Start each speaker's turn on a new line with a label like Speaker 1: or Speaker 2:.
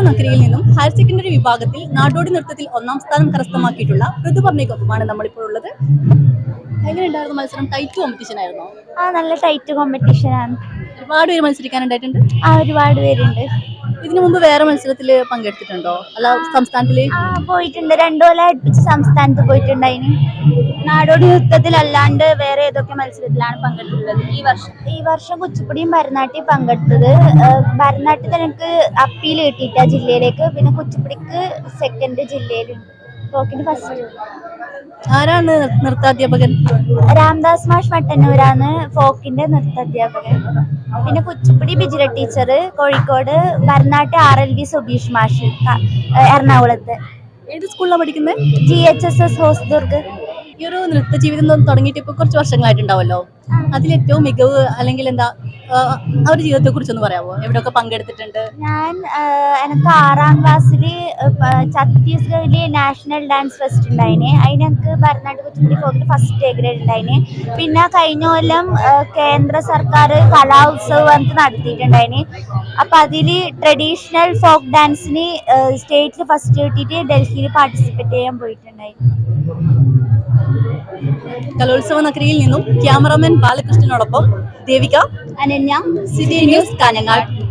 Speaker 1: നഗരിയിൽ നിന്നും higher secondary വിഭാഗത്തിൽ നാടോടി നൃത്തത്തിൽ ഒന്നാം സ്ഥാനം കരസ്ഥമാക്കിയിട്ടുള്ള ഋതുപർണിക്കൊപ്പമാണ് നമ്മളിപ്പോൾ ഉള്ളത്. എങ്ങനെയുണ്ടായിരുന്നു മത്സരം? ടൈറ്റ് കോമ്പറ്റീഷൻ ആയിരുന്നോ?
Speaker 2: നല്ല ടൈറ്റ് കോമ്പറ്റീഷൻ ആണ്.
Speaker 1: ഒരുപാട് പേര് മത്സരിക്കാനുണ്ടായിട്ടുണ്ട്.
Speaker 2: ഒരുപാട് പേരുണ്ട്.
Speaker 1: ഇതിനു മുമ്പ് വേറെ മത്സരത്തിൽ പങ്കെടുത്തിട്ടുണ്ടോ? അല്ല, സംസ്ഥാനത്തില്
Speaker 2: പോയിട്ടുണ്ട്. 2 കൊല്ലം അടുപ്പിച്ച് സംസ്ഥാനത്ത് പോയിട്ടുണ്ടായിന്. നാടോടി നൃത്തത്തിലല്ലാണ്ട് വേറെ ഏതൊക്കെ മത്സരത്തിലാണ് പങ്കെടുത്തിട്ടുള്ളത്? ഈ വർഷം കുച്ചിപ്പുടിയും ഭരതനാട്യം പങ്കെടുത്തത്. ഭരതനാട്യത്തിൽ എനിക്ക് അപ്പീൽ കിട്ടിയിട്ട ജില്ലയിലേക്ക്, പിന്നെ കുച്ചിപ്പുടിക്ക് സെക്കൻഡ് ജില്ലയിലുണ്ട്. ഫോക്കിന് ഫസ്റ്റ്.
Speaker 1: ആരാണ് നൃത്താധ്യാപകൻ?
Speaker 2: രാംദാസ് മാഷ് മട്ടന്നൂരാണ് ഫോക്കിന്റെ നൃത്താധ്യാപകൻ. പിന്നെ കുച്ചിപ്പുടി ബിജില ടീച്ചർ കോഴിക്കോട്, ഭരതനാട്യം RLV സുബീഷ് മാഷ് എറണാകുളത്ത്.
Speaker 1: ഏത് സ്കൂളിലാണ് പഠിക്കുന്നത്?
Speaker 2: GHSS ഹോസ്ദുർഗ്.
Speaker 1: ഈ ഒരു നൃത്ത ജീവിതം തുടങ്ങിയിട്ട് ഇപ്പൊ കുറച്ച് വർഷങ്ങളായിട്ടുണ്ടാവല്ലോ. അതിലേറ്റവും മികവ് അല്ലെങ്കിൽ എന്താ ആ ഒരു ജീവിതത്തെ കുറിച്ചൊന്ന് പറയാമോ? എവിടെയൊക്കെ പങ്കെടുത്തിട്ടുണ്ട്?
Speaker 2: എനിക്ക് 6ാം ക്ലാസ്സിൽ ഛത്തീസ്ഗഡിലെ നാഷണൽ ഡാൻസ് ഫെസ്റ്റ് ഉണ്ടായിന്. അതിന് എനിക്ക് ഭരതനാട്യം കുച്ചിപ്പുടി ഫോക്കിൽ ഫസ്റ്റ് A ഗ്രേഡ് ഉണ്ടായിന്. പിന്നെ കഴിഞ്ഞ കൊല്ലം കേന്ദ്ര സർക്കാർ കലോത്സവം നടത്തിയിട്ടുണ്ടായിന്. അപ്പം അതിൽ ട്രഡീഷണൽ ഫോക്ക് ഡാൻസിന് സ്റ്റേറ്റിൽ ഫസ്റ്റ് കിട്ടിയിട്ട് ഡൽഹിയിൽ പാർട്ടിസിപ്പേറ്റ് ചെയ്യാൻ പോയിട്ടുണ്ടായി.
Speaker 1: കലോത്സവ നഗരിയിൽ നിന്നും ക്യാമറാമാൻ ബാലകൃഷ്ണനോടൊപ്പം ദേവിക,
Speaker 2: അനന്യ,
Speaker 1: സിറ്റി ന്യൂസ്, കാഞ്ഞങ്ങാട്.